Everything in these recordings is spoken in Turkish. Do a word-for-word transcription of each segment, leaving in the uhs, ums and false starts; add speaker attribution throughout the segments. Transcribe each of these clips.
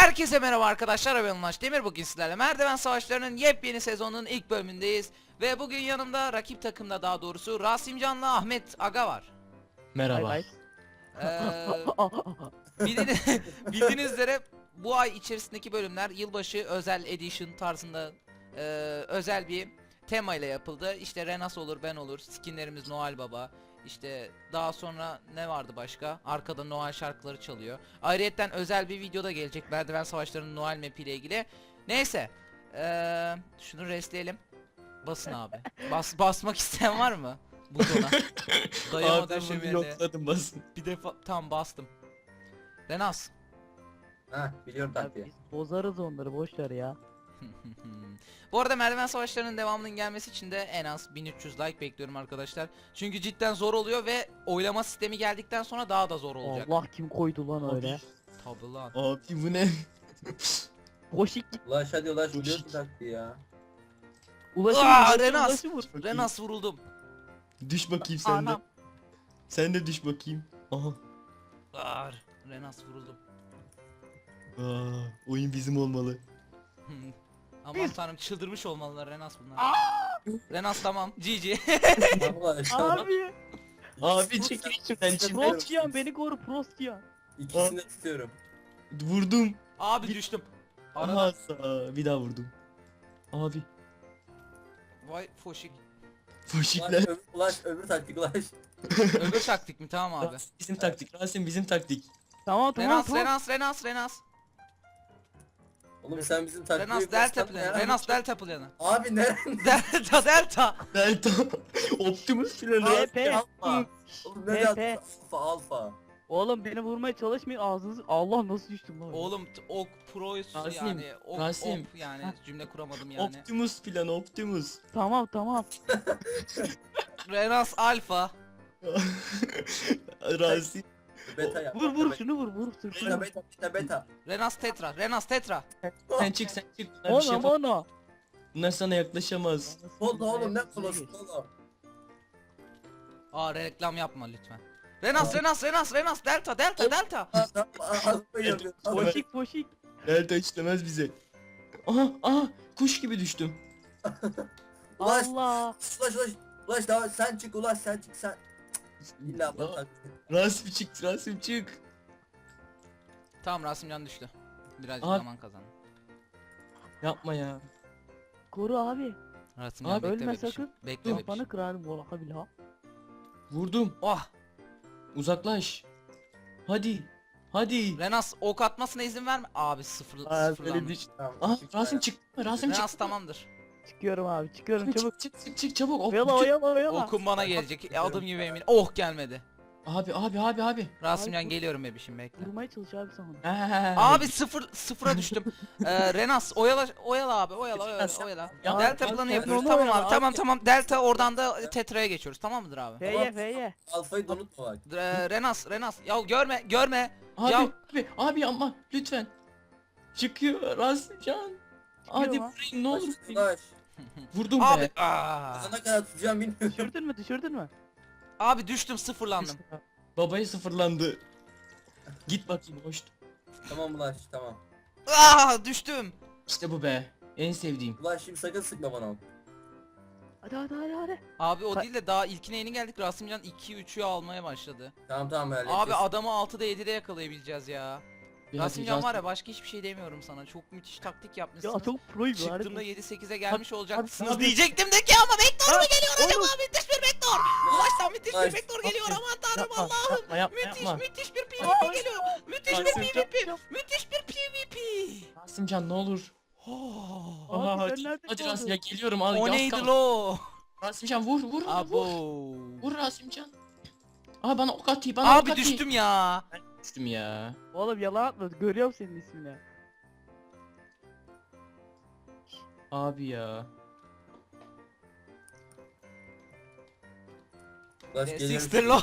Speaker 1: Herkese merhaba arkadaşlar, ben Ulaş Demir. Bugün sizlerle Merdiven Savaşları'nın yepyeni sezonunun ilk bölümündeyiz. Ve bugün yanımda, rakip takımda daha doğrusu, Rasimcan'la Ahmet Aga var.
Speaker 2: Merhaba.
Speaker 3: Bay
Speaker 1: Ee, bildiğiniz, bildiğiniz üzere bu ay içerisindeki bölümler yılbaşı özel edition tarzında e, özel bir tema ile yapıldı. İşte Renas olur, ben olur, skinlerimiz Noel Baba. İşte daha sonra ne vardı başka? Arkada Noel şarkıları çalıyor. Ayrıyeten özel bir video da gelecek Merdiven Savaşları'nın Noel map ile ilgili. Neyse. Ee, şunu restleyelim. Basın abi. Bas basmak isteyen var mı? Butona. Dayama
Speaker 2: Abi bunu yokladım basın.
Speaker 1: Bir defa tam bastım. Renas.
Speaker 4: Ha biliyorum
Speaker 3: Ya
Speaker 4: taktiği.
Speaker 3: biz bozarız onları, boş ver ya.
Speaker 1: Bu arada Merdiven Savaşları'nın devamının gelmesi için de en az bin üç yüz like bekliyorum arkadaşlar. Çünkü cidden zor oluyor ve oylama sistemi geldikten sonra daha da zor olacak.
Speaker 3: Allah, kim koydu lan
Speaker 2: Abi.
Speaker 3: öyle?
Speaker 1: Tabii lan.
Speaker 2: Abi bu ne?
Speaker 3: Boşik git.
Speaker 4: Ulaş hadi ulaş
Speaker 2: Dur.
Speaker 4: biliyorsun taktiği ya.
Speaker 3: Ulaşım
Speaker 1: Aa,
Speaker 3: ulaşım,
Speaker 1: Renas.
Speaker 3: ulaşım vur.
Speaker 1: Renas vuruldum.
Speaker 2: Düş bakayım sen de.
Speaker 3: Anam.
Speaker 2: Sen de düş bakayım. Aha.
Speaker 1: Aa, Renas vuruldum.
Speaker 2: Aa, oyun bizim olmalı.
Speaker 1: Aman tanrım, çıldırmış olmalılar Renas bunlar. Renas tamam. G G.
Speaker 4: Tamam ulaş.
Speaker 3: Abi.
Speaker 2: Abi çekil içimden içimden.
Speaker 3: Proskiyan beni koru, Proskiyan.
Speaker 4: İkisini de tutuyorum.
Speaker 2: Vurdum.
Speaker 1: Abi düştüm.
Speaker 2: Aha
Speaker 1: Arada.
Speaker 2: sağ- bir daha vurdum. Abi.
Speaker 1: Vay foşik.
Speaker 4: Ulaş
Speaker 2: Foşikler.
Speaker 4: öbür, ulaş öbür taktik ulaş.
Speaker 1: Öbür taktik mi? Tamam abi.
Speaker 2: Rasim bizim taktik. Rasim bizim taktik.
Speaker 3: Tamam tamam
Speaker 1: Renas,
Speaker 3: tamam.
Speaker 1: Renas, Renas, Renas.
Speaker 4: Oğlum sen bizim taktiği
Speaker 1: Renas delta
Speaker 4: göster
Speaker 1: planı.
Speaker 4: ya.
Speaker 1: Renas delta planı.
Speaker 4: Abi ne?
Speaker 1: Delta delta.
Speaker 2: Delta. Optimus planı.
Speaker 3: P P.
Speaker 4: Alfa. Oğlum ne
Speaker 3: P,
Speaker 4: de
Speaker 3: P.
Speaker 4: alfa alfa.
Speaker 3: Oğlum beni vurmaya çalışmayın, ağzınızı. Allah, nasıl düştüm lan?
Speaker 1: Oğlum t- ok proyuz
Speaker 2: Rasim,
Speaker 1: yani ok,
Speaker 2: Rasim.
Speaker 1: op yani
Speaker 3: Heh.
Speaker 1: cümle kuramadım yani.
Speaker 2: Optimus planı Optimus.
Speaker 3: Tamam tamam.
Speaker 1: Renas alfa.
Speaker 2: Rasim.
Speaker 4: Beta yap.
Speaker 3: Vur vur
Speaker 4: beta,
Speaker 3: şunu vur, vur sırtına.
Speaker 4: Beta beta beta beta.
Speaker 1: Renas tetra. Renas tetra.
Speaker 2: Sen çık sen çık. Bunlar bir şey
Speaker 3: Oğlum
Speaker 2: yapamaz.
Speaker 3: onu.
Speaker 2: Bunlar sana yaklaşamaz.
Speaker 4: Oğlum oğlum ne kolası oğlum.
Speaker 1: Aa, reklam yapma lütfen. Renas Renas Renas Renas delta delta delta.
Speaker 4: Ağzıma yapıyor.
Speaker 3: Boşik boşik.
Speaker 2: Delta işlemez bize. Aha aha kuş gibi düştüm.
Speaker 4: Ulaş
Speaker 3: Allah.
Speaker 4: ulaş ulaş. Ulaş daha sen çık ulaş sen çık sen. İlla bana
Speaker 2: Aa,
Speaker 4: taktiği.
Speaker 2: Rasim çık Rasim çık.
Speaker 1: Tamam, Rasimcan düştü. Birazcık
Speaker 2: Abi.
Speaker 1: zaman kazandı.
Speaker 2: Yapma ya.
Speaker 3: Koru abi.
Speaker 1: Rasimcan
Speaker 2: Abi,
Speaker 1: bekle
Speaker 3: ölme
Speaker 1: bebişim.
Speaker 3: sakın.
Speaker 1: Bekle
Speaker 3: Kafanı
Speaker 1: bebişim.
Speaker 3: kırarım vallahi billahi.
Speaker 2: Vurdum.
Speaker 1: Oh.
Speaker 2: Uzaklaş. Hadi. Hadi.
Speaker 1: Renas ok atmasına izin verme. Abi sıfır
Speaker 2: Aa, böyle
Speaker 1: sıfırlandı.
Speaker 2: düş.
Speaker 4: Tamam,
Speaker 2: Aha
Speaker 4: çık
Speaker 2: Rasim
Speaker 4: ya.
Speaker 2: çık. Rasim
Speaker 1: Renas
Speaker 2: çık.
Speaker 1: tamamdır.
Speaker 3: Çıkıyorum abi, çıkıyorum
Speaker 2: Çık
Speaker 3: çabuk.
Speaker 2: çık çık çık çabuk. Oh,
Speaker 3: Oyala
Speaker 2: bütün-
Speaker 3: oyala oyala.
Speaker 1: Okun bana gelecek. E, adım gibi eminim. Oh, gelmedi.
Speaker 2: Abi abi abi abi.
Speaker 1: Rasimcan
Speaker 3: Abi,
Speaker 1: geliyorum bebişim, bekle.
Speaker 3: Vurmaya çalış abi sen onu.
Speaker 2: Ha,
Speaker 1: Abi sıfır sıfıra düştüm. Ee, Renas oyala oyala abi, oyala oyala
Speaker 2: Renas,
Speaker 1: oyala.
Speaker 2: ya-
Speaker 1: Delta
Speaker 2: ya-
Speaker 1: planı
Speaker 3: ya-
Speaker 1: yapıyoruz.
Speaker 3: onu
Speaker 1: Tamam
Speaker 3: oyala
Speaker 1: abi.
Speaker 3: abi.
Speaker 1: Tamam tamam. Delta oradan da tetraya geçiyoruz. Tamam mıdır abi?
Speaker 3: F'ye F'ye.
Speaker 4: Alfayı da unutma bak.
Speaker 1: Ee, Renas Renas. Ya görme görme.
Speaker 2: Abi
Speaker 1: Ya-
Speaker 2: abi abi ama lütfen. Çıkıyor Rasimcan. Hadi
Speaker 3: mu?
Speaker 2: vurayım ne olur.
Speaker 4: Ulaş, ulaş.
Speaker 2: Vurdum
Speaker 1: Abi
Speaker 2: be.
Speaker 1: aa.
Speaker 4: Sana kadar tutacağım bilmiyorum.
Speaker 3: Düşürdün mü, düşürdün mü?
Speaker 1: Abi düştüm, sıfırlandım.
Speaker 2: Babaya sıfırlandı. Git bakayım hoş.
Speaker 4: Tamam ulaş tamam.
Speaker 1: Aa, düştüm.
Speaker 2: İşte bu be. En sevdiğim.
Speaker 4: Ulaş şimdi sakın sıkma bana.
Speaker 3: Hadi hadi hadi hadi.
Speaker 1: Abi o
Speaker 3: Ha-
Speaker 1: değil de daha ilkine yeni geldik. Rasimcan iki üçü almaya başladı.
Speaker 4: Tamam tamam öyle.
Speaker 1: Abi adamı altıda yedide yakalayabileceğiz ya.
Speaker 2: Bir
Speaker 1: Rasimcan
Speaker 2: hadi,
Speaker 1: var ya, başka hiçbir şey demiyorum sana. Çok müthiş taktik
Speaker 3: Ya
Speaker 1: yapmışsınız.
Speaker 3: çok proyum var.
Speaker 1: Çıktığımda yedi sekize gelmiş olacaksınız
Speaker 2: abi.
Speaker 1: diyecektim de ki ama Vektor mu geliyor acaba? Müthiş bir Vektor. Ulaştan müthiş bir
Speaker 4: Ulaş,
Speaker 1: Vektor geliyor,
Speaker 2: aferin.
Speaker 1: aman tanrım
Speaker 2: Yapma,
Speaker 1: Allah'ım.
Speaker 2: yapma, yapma,
Speaker 1: Müthiş
Speaker 2: yapma.
Speaker 1: müthiş bir
Speaker 3: Aa,
Speaker 1: PvP geliyor. Müthiş bir
Speaker 2: Rasimcan.
Speaker 1: PvP. Müthiş bir PvP.
Speaker 2: Rasimcan ne olur.
Speaker 1: Oh.
Speaker 3: Abi
Speaker 2: Aha,
Speaker 3: sen
Speaker 2: hadi,
Speaker 3: nerede
Speaker 2: hadi
Speaker 3: kaldın?
Speaker 2: Rasim ya geliyorum al.
Speaker 1: O
Speaker 2: yaz
Speaker 1: neydi
Speaker 2: kal.
Speaker 1: lo?
Speaker 2: Rasimcan vur vur vur.
Speaker 1: Abo.
Speaker 2: Vur Rasimcan. Aha bana ok atayım bana ok
Speaker 1: Abi
Speaker 2: atayım.
Speaker 1: düştüm ya.
Speaker 2: Düştüm ya.
Speaker 3: Oğlum yalan atma, görüyorum senin ismini.
Speaker 2: Abi ya.
Speaker 4: Ulaş geliyorum.
Speaker 1: Sixter lo.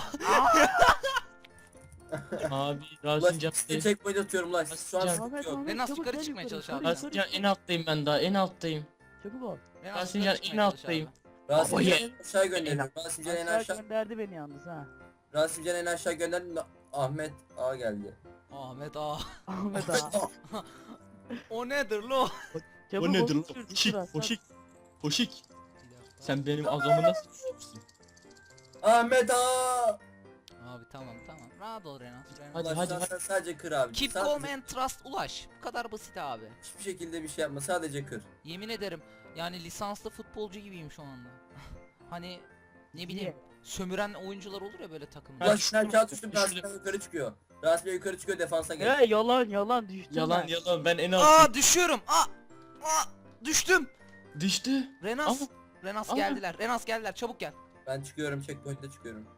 Speaker 2: Abi
Speaker 4: Ulaş
Speaker 2: Rasimcan.
Speaker 4: size checkpoint atıyorum ulaş. Şu an
Speaker 2: Rasimcan.
Speaker 4: sıkıntı
Speaker 3: Ahmet
Speaker 4: yok.
Speaker 3: Ahmet
Speaker 1: Renas
Speaker 3: çabuk
Speaker 1: yukarı
Speaker 3: gel
Speaker 1: çıkmaya
Speaker 3: yukarı,
Speaker 1: çalış abi.
Speaker 3: yukarı,
Speaker 2: Rasimcan
Speaker 3: yukarı.
Speaker 2: en alttayım ben daha en alttayım.
Speaker 3: Çabuk ol.
Speaker 1: Renas
Speaker 2: Rasimcan
Speaker 1: yukarı
Speaker 2: en
Speaker 1: çıkmaya çalış
Speaker 2: alttayım.
Speaker 1: abi.
Speaker 4: Rasimcan
Speaker 2: Baba,
Speaker 4: en aşağı gönderiyorum. Rasimcan en
Speaker 3: Aşağı
Speaker 4: aşağı.
Speaker 3: gönderdi beni yalnız ha.
Speaker 4: Rasimcan en aşağı gönderdim de Ahmet A geldi.
Speaker 1: Ahmet A.
Speaker 3: Ahmet ağa.
Speaker 1: O nedir lo?
Speaker 3: Çabuk
Speaker 2: O nedir lan?
Speaker 3: oluştur,
Speaker 2: Foşik,
Speaker 3: Turan,
Speaker 2: foşik, foşik. Sen benim azamı nasıl yapıyorsun?
Speaker 4: Ahmet ağa.
Speaker 1: Abi tamam tamam. Rahat ol Renas. Renas.
Speaker 2: Hadi,
Speaker 4: Ulaş
Speaker 2: hadi,
Speaker 4: sen,
Speaker 2: hadi.
Speaker 4: sen sadece kır abi.
Speaker 1: Keep
Speaker 4: Sadece-
Speaker 1: calm and trust ulaş. Bu kadar basit abi.
Speaker 4: Hiçbir şekilde bir şey yapma, sadece kır.
Speaker 1: Yemin ederim yani lisanslı futbolcu gibiyim şu anda. Hani ne bileyim sömüren oyuncular olur ya böyle takımda.
Speaker 2: Ben
Speaker 4: Ulaş sen
Speaker 2: düştüm,
Speaker 4: kağıt üstü
Speaker 2: düştüm.
Speaker 4: Rasim'den yukarı çıkıyor. Rasim'den yukarı çıkıyor, defansa gel.
Speaker 3: He yalan yalan düştüm
Speaker 2: Yalan
Speaker 3: ben.
Speaker 2: yalan ben en az
Speaker 1: Aa düşüyorum. Aa! Aa! Düştüm.
Speaker 2: düştü.
Speaker 1: Renas.
Speaker 2: Ama-
Speaker 1: Renas
Speaker 2: ama-
Speaker 1: geldiler. Renas geldiler. Çabuk gel.
Speaker 4: Ben çıkıyorum, checkpoint'e çıkıyorum.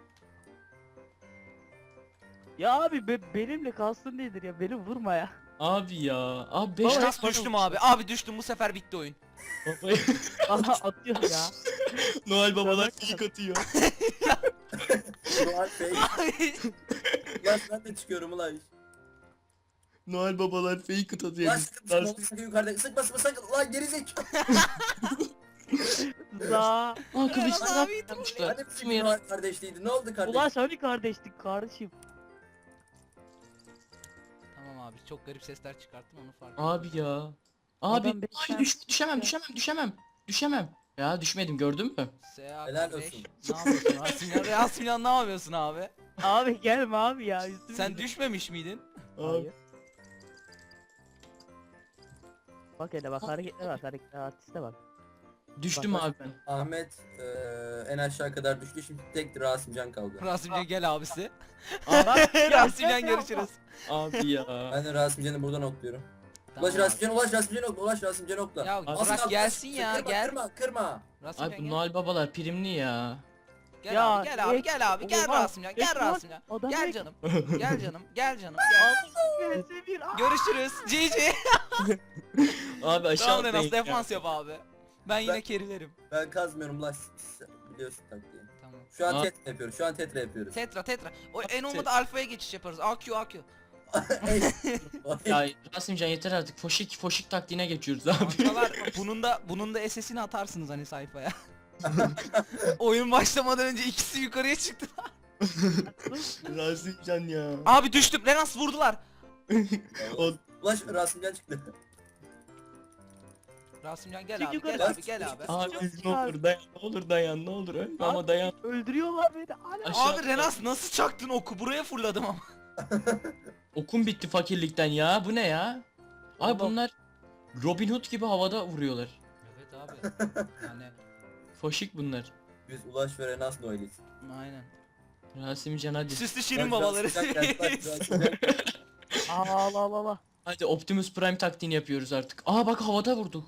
Speaker 3: Ya abi be- benimle kalsın nedir ya beni vurma ya.
Speaker 2: Abi ya. Abi beş
Speaker 3: Baba,
Speaker 1: Renas
Speaker 2: tane
Speaker 1: düştüm abi. Abi düştüm. Bu sefer bitti oyun.
Speaker 2: Baba-
Speaker 3: Aha atıyor ya.
Speaker 2: Noel babalar
Speaker 3: Tabii.
Speaker 2: ilk atıyor.
Speaker 4: Ulaş Bey. Ulaş ben de çıkıyorum Ulaş.
Speaker 2: Noel babalar fake atıyor.
Speaker 4: Ulaş sıkı sıkma, Ulaş sakın yukarıda. Sıkma sıkma sakın. Ulan gerizekalı.
Speaker 3: Za.
Speaker 2: Aa kılıçlar
Speaker 1: Abi,
Speaker 2: yapmışlar.
Speaker 4: Hani
Speaker 2: Kim
Speaker 4: bizim
Speaker 2: yer?
Speaker 4: Noel kardeşliğiydi. Ne oldu kardeş?
Speaker 3: Ulaş hani kardeşlik kardeşim.
Speaker 1: Tamam abi. Çok garip sesler çıkarttım onu fark ettim.
Speaker 2: Abi ya.
Speaker 3: Adam
Speaker 2: Abi
Speaker 3: beş
Speaker 2: ay
Speaker 3: tane-
Speaker 2: düş, düşemem düşemem düşemem. Düşemem. Ya düşmedim gördün mü?
Speaker 1: Seha
Speaker 4: Helal
Speaker 1: kardeş.
Speaker 4: olsun.
Speaker 1: Ne yapıyorsun Rasimcan? Rasimcan ne yapıyorsun abi?
Speaker 3: Abi gelme abi ya. üstüme
Speaker 1: Sen
Speaker 3: gidin.
Speaker 1: düşmemiş miydin?
Speaker 2: Abi.
Speaker 3: Hayır. Bak hele bak hareketler bak hareketler artiste bak.
Speaker 2: Düştüm
Speaker 3: Bak,
Speaker 2: abi.
Speaker 3: bak.
Speaker 4: Ahmet eee, en aşağı kadar düştü. Şimdi tek Rasimcan kaldı.
Speaker 1: Rasimcan gel abisi.
Speaker 3: Bak, ya,
Speaker 1: Rasimcan
Speaker 3: ya,
Speaker 1: görüşürüz.
Speaker 2: Abi ya.
Speaker 4: Ben de Rasimcan'ı buradan okluyorum.
Speaker 1: Tamam
Speaker 4: Ulaş
Speaker 1: abi.
Speaker 4: Rasimcan, Ulaş Rasimcan okla, Ulaş Rasimcan okla.
Speaker 1: Ya
Speaker 4: Az
Speaker 1: bırak
Speaker 4: kaldı,
Speaker 1: gelsin
Speaker 4: Ulaş,
Speaker 1: ya,
Speaker 4: kırma,
Speaker 1: gel.
Speaker 4: Kırma kırma.
Speaker 1: Rasimcan
Speaker 2: Abi bu
Speaker 1: gel.
Speaker 2: Noel babalar primli ya.
Speaker 1: Gel
Speaker 3: Ya,
Speaker 1: abi gel abi
Speaker 3: ek-
Speaker 1: gel abi gel
Speaker 3: olmaz.
Speaker 1: Rasimcan gel
Speaker 3: Ek var.
Speaker 1: Rasimcan.
Speaker 3: Adam
Speaker 1: Gel
Speaker 3: ek-
Speaker 1: canım. Gel canım. Gel canım. Gel.
Speaker 3: Neyse bir aa.
Speaker 1: Görüşürüz. G G.
Speaker 2: Abi aşağı
Speaker 1: Tamam Renas
Speaker 2: atlayın ya.
Speaker 1: defans yap abi. Ben yine
Speaker 4: Ben-
Speaker 1: kerilerim.
Speaker 4: Ben kazmıyorum Ulaş. Sen biliyorsun taktiği.
Speaker 1: Tamam.
Speaker 4: Şu an
Speaker 2: Aa.
Speaker 4: tetra yapıyoruz. Şu an tetra yapıyoruz.
Speaker 1: Tetra tetra. O en
Speaker 2: Te-
Speaker 1: olmadı alfaya geçiş yaparız. A Q A Q.
Speaker 4: Ey,
Speaker 2: Ya Rasimcan yeter artık. Foşik foşik taktiğine geçiyoruz abi.
Speaker 1: Kankalar bunun da bunun da S S'ini atarsınız hani sayfaya. Oyun başlamadan önce ikisi yukarıya çıktı.
Speaker 2: Rasimcan ya.
Speaker 1: Abi düştüm. Renas vurdular.
Speaker 2: O
Speaker 4: Ulaş Rasimcan çıktı.
Speaker 1: Rasimcan gel
Speaker 3: Çık
Speaker 1: abi
Speaker 3: yukarı.
Speaker 1: gel abi gel abi.
Speaker 2: abi
Speaker 3: Çok
Speaker 2: ne olur dayan ne olur dayan ne olur ölme ama dayan.
Speaker 3: Öldürüyorlar beni. Hala.
Speaker 2: Aşağı
Speaker 1: Abi Renas nasıl çaktın oku? Buraya fırladım ama.
Speaker 2: Okum bitti fakirlikten ya. Bu ne ya? Abi
Speaker 3: Oğlum.
Speaker 2: bunlar Robin Hood gibi havada vuruyorlar.
Speaker 1: Evet abi. Yani
Speaker 2: Foşik bunlar.
Speaker 4: Biz Ulaş ve Renas Noel'iz.
Speaker 1: aynen.
Speaker 2: Rasimcan hadi.
Speaker 1: Süslü şirin
Speaker 4: Ulaş,
Speaker 1: babaları.
Speaker 4: Rasimcan geldi, Ulaş, Rasimcan geldi.
Speaker 3: Aa la la la.
Speaker 2: Hadi Optimus Prime taktiğini yapıyoruz artık. Aa bak havada vurdu.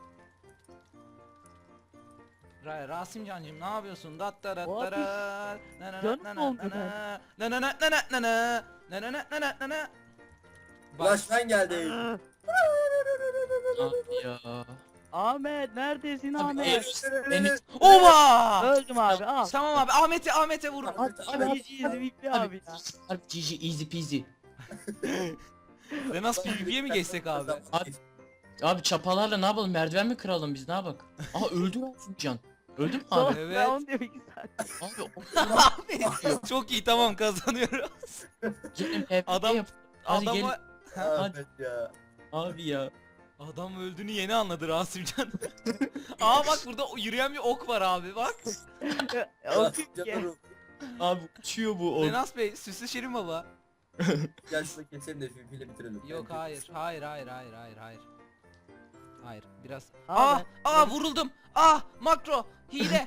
Speaker 1: Ra Rasimcancığım ne yapıyorsun? Dat da dat
Speaker 3: O
Speaker 1: da ra. Na na
Speaker 3: Canım
Speaker 1: na na
Speaker 3: oldu
Speaker 1: na na. Na na na na na na na. Na na na na na na na. Bak
Speaker 4: Ulaş ben geldim.
Speaker 3: Aa,
Speaker 2: Abi ya.
Speaker 3: Ahmet neredesin
Speaker 2: Abi
Speaker 3: Ahmet?
Speaker 2: en, en,
Speaker 1: Ova!
Speaker 3: Öldüm abi al.
Speaker 1: Tamam abi Ahmet'e Ahmet'e vurun.
Speaker 3: At
Speaker 4: Abi,
Speaker 3: abi izi bipli abi ya.
Speaker 2: Harbi G G easy peasy.
Speaker 1: Renas P V P'ye mi geçsek abi?
Speaker 2: Abi- Abi çapalarla ne yapalım merdiven mi kıralım biz ne yapalım? Aa öldü Rasimcan. Öldü mü abi?
Speaker 1: Evet.
Speaker 3: Ben onu diyorum iki saat.
Speaker 2: Abi o
Speaker 1: Abi çok iyi tamam kazanıyoruz.
Speaker 2: gelin P V P
Speaker 1: Adam-
Speaker 2: yap. Hadi gelin.
Speaker 1: Adamı
Speaker 4: Ahmet ya.
Speaker 2: Abi ya.
Speaker 1: Adam öldüğünü yeni anladı Rasimcan. Aa bak burada yürüyen bir ok var abi bak.
Speaker 3: O
Speaker 4: Rasimcan'ın ruhu.
Speaker 2: Abi uçuyor bu o.
Speaker 1: Renas Bey süslü şirin baba.
Speaker 4: Gel şurada keselim de filmiyle bitirelim.
Speaker 1: Yok hayır hayır hayır hayır hayır hayır. Hayır biraz.
Speaker 3: Aa,
Speaker 1: Aa
Speaker 3: ben-
Speaker 1: aa vuruldum. Aa makro hile.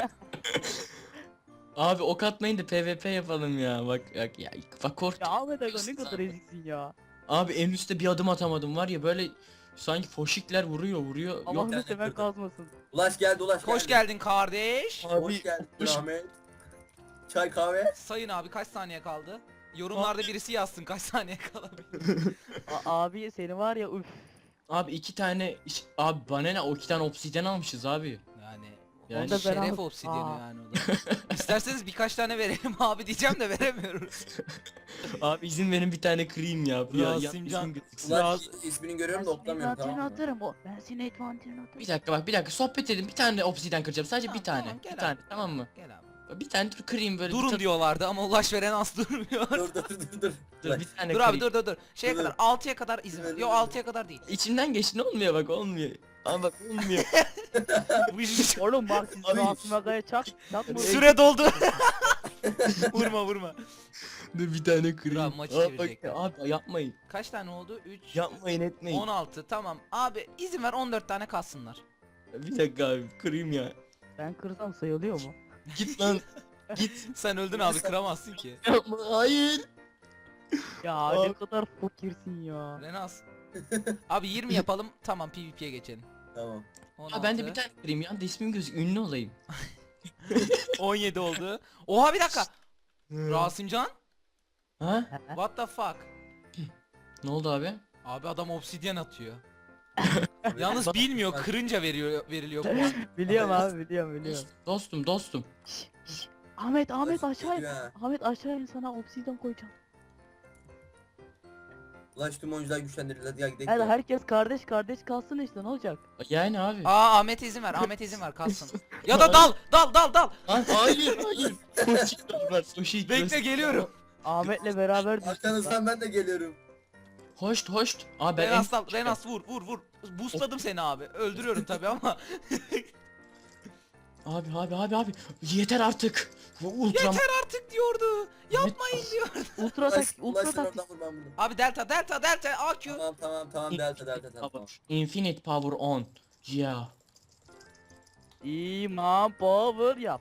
Speaker 2: Abi ok atmayın da P V P yapalım ya. Bak bak ya. Bak kork.
Speaker 3: Ya Ahmet Aga ne kadar eziksin ya.
Speaker 2: Abi en üstte bir adım atamadım var ya böyle sanki foşikler vuruyor vuruyor. Yok.
Speaker 3: Allah'ını
Speaker 4: yani
Speaker 3: seven
Speaker 4: burada.
Speaker 3: kazmasın.
Speaker 4: Ulaş geldi Ulaş geldi.
Speaker 1: Hoş geldin kardeş.
Speaker 4: Hoş geldin
Speaker 2: hoş-
Speaker 4: Ahmet. Çay kahve.
Speaker 1: Sayın abi kaç saniye kaldı? Yorumlarda birisi yazsın kaç saniye kalabilir.
Speaker 3: A- abi seni var ya üf.
Speaker 2: Abi iki tane iş- abi bana ne o iki tane obsidyen almışız abi.
Speaker 1: Yani,
Speaker 2: Yani
Speaker 1: o
Speaker 3: da ben
Speaker 1: şeref
Speaker 3: aldım.
Speaker 1: obsidyeni
Speaker 3: Aa.
Speaker 1: yani o da. İsterseniz birkaç tane verelim abi diyeceğim de veremiyoruz.
Speaker 2: Abi izin verin bir tane kırayım ya. Ya- ya-
Speaker 1: Rasimcan.
Speaker 2: ismim gözüksün.
Speaker 4: Ulaş ismini görüyorum da
Speaker 3: Ben senin
Speaker 4: oklamıyorum tamam
Speaker 3: advantajını
Speaker 4: mı?
Speaker 3: atarım o. Ben senin advantajını atarım.
Speaker 2: Bir dakika bak bir dakika sohbet edin bir tane obsidyen kıracağım sadece
Speaker 1: Tamam,
Speaker 2: bir tane.
Speaker 1: tamam, gel
Speaker 2: bir tane
Speaker 1: abi.
Speaker 2: tamam mı?
Speaker 1: Gel abi.
Speaker 2: Bir tane dur kırayım böyle. bir
Speaker 1: Durun
Speaker 2: ta-
Speaker 1: diyorlardı ama Ulaş ve Renas durmuyor.
Speaker 4: Dur dur dur dur.
Speaker 2: Dur bir tane
Speaker 1: Dur abi
Speaker 2: kırayım.
Speaker 1: dur dur dur. Şeye
Speaker 4: Dur,
Speaker 1: kadar
Speaker 4: dur.
Speaker 1: altıya kadar izin ver.
Speaker 4: Dur,
Speaker 1: Yo
Speaker 4: dur, dur.
Speaker 1: altıya kadar değil.
Speaker 2: İçimden geçti, ne olmuyor bak, olmuyor. Ama bak olmuyor.
Speaker 1: Bu iş-
Speaker 3: Oğlum bak siz
Speaker 4: Abi-
Speaker 3: Rasim Aga'ya çak. Çakma.
Speaker 1: Süre doldu. Vurma vurma.
Speaker 2: Dur bir tane kırayım.
Speaker 1: Abi maçı
Speaker 2: Aa, bak,
Speaker 1: çevirecekler.
Speaker 2: abi yapmayın.
Speaker 1: Kaç tane oldu? üç,
Speaker 2: Yapmayın etmeyin.
Speaker 1: on altı tamam. Abi izin ver on dört tane kalsınlar.
Speaker 2: Bir dakika abi kırayım ya.
Speaker 3: Ben kırsam sayılıyor mu?
Speaker 2: Git lan. Git.
Speaker 1: Sen öldün abi kıramazsın ki.
Speaker 2: Yapma, hayır.
Speaker 3: Ya
Speaker 2: Abi.
Speaker 3: ne kadar fakirsin ya.
Speaker 1: Renas. Abi yirmi yapalım tamam PvP'ye geçelim.
Speaker 4: Tamam.
Speaker 1: on
Speaker 2: Ha, ben de
Speaker 1: altı,
Speaker 2: bir tane kırayım ya. De ismim gözük, ünlü olayım.
Speaker 1: on yedi oldu. Oha bir dakika. Rasimcan?
Speaker 2: Ha?
Speaker 1: What the fuck?
Speaker 2: Ne oldu abi?
Speaker 1: Abi adam obsidyen atıyor. Yalnız bilmiyor kırınca veriyor veriliyor puan.
Speaker 3: Biliyorum abi biliyorum biliyorum.
Speaker 2: Dostum dostum.
Speaker 3: Şş, şş. Ahmet Ahmet aşağı in.
Speaker 4: Ya.
Speaker 3: Ahmet aşağı in, sana obsidian koyacağım.
Speaker 4: Ulaş tüm oyuncular güçlendirildi. Hadi ya gidelim.
Speaker 3: Hadi
Speaker 4: ya.
Speaker 3: herkes kardeş kardeş kalsın işte, ne olacak?
Speaker 2: Yani abi.
Speaker 1: Aa Ahmet izin ver. Ahmet izin ver kalsın. Ya da dal dal dal dal.
Speaker 2: Lan hayır hayır. Sushi var, sushi.
Speaker 1: Bekle geliyorum.
Speaker 3: Ahmet'le beraber düştük lan.
Speaker 4: Arkanızdan ben de geliyorum.
Speaker 2: Hoşt hoşt. Abi ben
Speaker 1: Renas
Speaker 2: en...
Speaker 1: dal. Renas vur vur vur. Boostladım seni abi. Öldürüyorum tabi ama.
Speaker 2: Abi abi abi abi. Yeter artık. Bu ultra...
Speaker 1: Yeter artık diyordu. Yapmayın diyor.
Speaker 3: Ultra tak
Speaker 4: Ulaş,
Speaker 3: ultra
Speaker 4: Ulaş sen
Speaker 3: tak.
Speaker 4: oradan vur ben bunu.
Speaker 1: Abi delta delta delta A Q.
Speaker 4: Tamam tamam tamam delta delta tamam. tamam.
Speaker 2: Infinite power on. Yeah.
Speaker 3: İman power yap.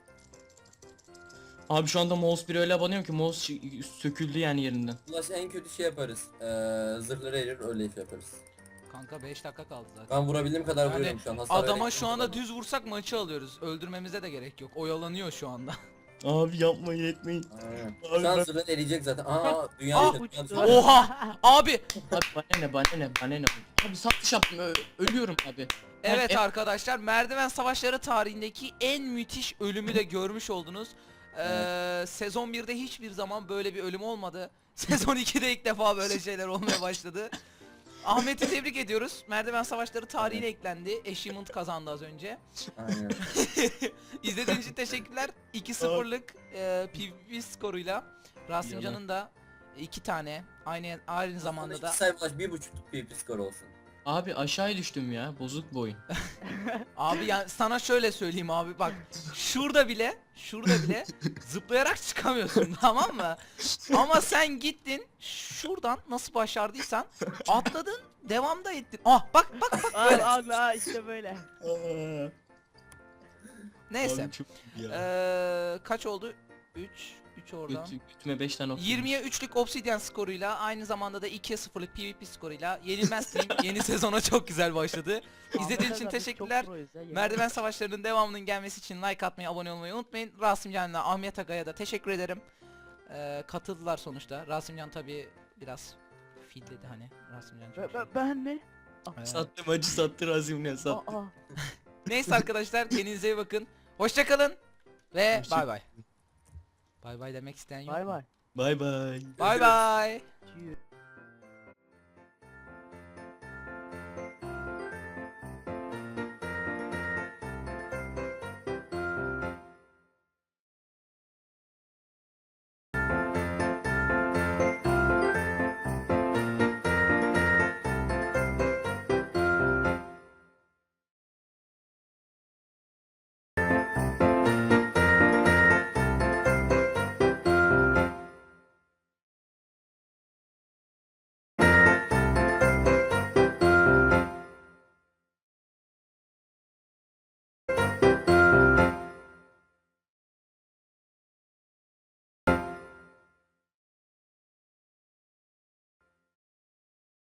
Speaker 2: Abi şu anda mouse bir öyle abanıyorum ki mouse şi- söküldü yani yerinden.
Speaker 4: Ulaş en kötü şey yaparız. Ee, zırhları erir öyle iş yaparız.
Speaker 1: Kanka beş dakika kaldı zaten.
Speaker 4: Ben vurabildiğim kadar
Speaker 1: Yani
Speaker 4: vuruyorum şu an. Hasar
Speaker 1: Adama
Speaker 4: vererek
Speaker 1: şu anda
Speaker 4: vuruyorum.
Speaker 1: düz vursak maçı alıyoruz. Öldürmemize de gerek yok. Oyalanıyor şu anda.
Speaker 2: Abi yapmayın etmeyin.
Speaker 4: Aynen.
Speaker 2: Abi
Speaker 4: Şu an
Speaker 2: ben-
Speaker 4: zırhları eriyecek zaten. Aa dünya
Speaker 1: Ah,
Speaker 4: kötü.
Speaker 3: uçtu.
Speaker 1: Oha! Abi!
Speaker 2: Abi bana ne bana ne bana ne. Abi satış yaptım, ö- ölüyorum abi.
Speaker 1: Evet
Speaker 2: e-
Speaker 1: arkadaşlar, merdiven savaşları tarihindeki en müthiş ölümü de görmüş oldunuz. Ee, sezon birde hiçbir zaman böyle bir ölüm olmadı. Sezon ikide ilk defa böyle şeyler olmaya başladı. Ahmet'i tebrik ediyoruz. Merdiven savaşları tarihine eklendi. Achievement kazandı az önce.
Speaker 4: Aynen.
Speaker 1: İzlediğiniz için teşekkürler. iki sıfırlık e, PvP skoruyla Rasimcan'ın da iki tane aynı aynı zamanda da
Speaker 4: İki sayfa Ulaş bir buçuk P P skor olsun.
Speaker 2: Abi aşağıya düştüm ya, bozuk bu oyun.
Speaker 1: abi yani sana şöyle söyleyeyim abi bak şurada bile şurada bile zıplayarak çıkamıyorsun tamam mı? Ama sen gittin şuradan nasıl başardıysan atladın devamda ettin. Ah bak bak bak böyle.
Speaker 3: Al al al işte böyle.
Speaker 1: Neyse.
Speaker 2: Abi çok iyi ya.
Speaker 1: Ee, kaç oldu? üç üç oradan.
Speaker 2: Götü- götüme beş tane okudum.
Speaker 1: yirmiye üçlük Obsidian skoruyla aynı zamanda da ikiye sıfırlık PvP skoruyla Yenilmez Team yeni sezona çok güzel başladı. İzlediğiniz için
Speaker 3: Ahmet abi, biz
Speaker 1: teşekkürler.
Speaker 3: çok proyuz ya, yemin
Speaker 1: Merdiven savaşlarının devamının gelmesi için like atmayı, abone olmayı unutmayın. Rasimcan'la Ahmet Aga'ya da teşekkür ederim. Ee, katıldılar sonuçta. Rasimcan tabi biraz filledi hani. Rasimcan çok
Speaker 3: Ben,
Speaker 1: şey.
Speaker 3: ben, ben mi?
Speaker 1: Ee,
Speaker 2: Sattım acı sattı Razim'le sattı.
Speaker 3: Aa,
Speaker 1: Neyse arkadaşlar kendinize iyi bakın. Hoşçakalın ve
Speaker 2: Hoşça-
Speaker 1: bay bay. Bay bay demek isteyen yok.
Speaker 3: bay
Speaker 1: mu?
Speaker 3: bay.
Speaker 2: Bay bay.
Speaker 1: Bay bay.
Speaker 3: Cheers.